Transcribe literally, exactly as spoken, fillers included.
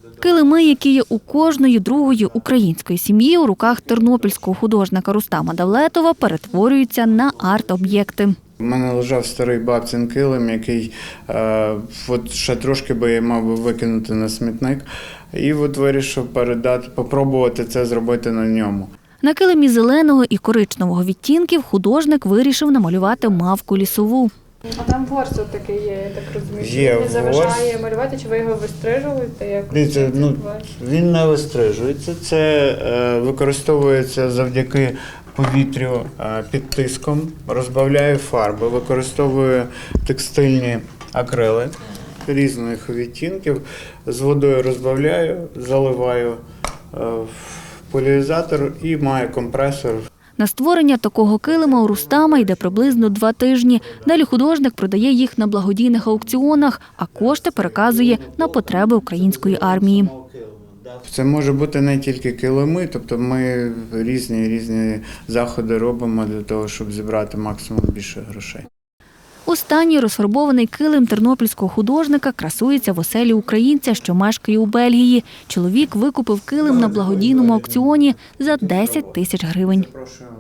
Килими, які є у кожної другої української сім'ї, у руках тернопільського художника Рустама Давлетова перетворюються на арт-об'єкти. У мене лежав старий бабцин килим, який е, от ще трошки би я мав би викинути на смітник. І от вирішив передати, попробувати це зробити на ньому. На килимі зеленого і коричневого відтінків художник вирішив намалювати мавку лісову. А там ворс такий є, я так розумію. Є Він не заважає ворс. малювати, чи ви його вистрижуєте? Як Дивіться, ну, він не вистрижується, це е, використовується завдяки повітрю е, під тиском, розбавляю фарби, використовую текстильні акрили різних відтінків, з водою розбавляю, заливаю е, в поляризатор і маю компресор. На створення такого килима у Рустама йде приблизно два тижні. Далі художник продає їх на благодійних аукціонах, а кошти переказує на потреби української армії. Це може бути не тільки килими, тобто ми різні різні заходи робимо для того, щоб зібрати максимум більше грошей. Останній розфарбований килим тернопільського художника красується в оселі українця, що мешкає у Бельгії. Чоловік викупив килим на благодійному аукціоні за десять тисяч гривень.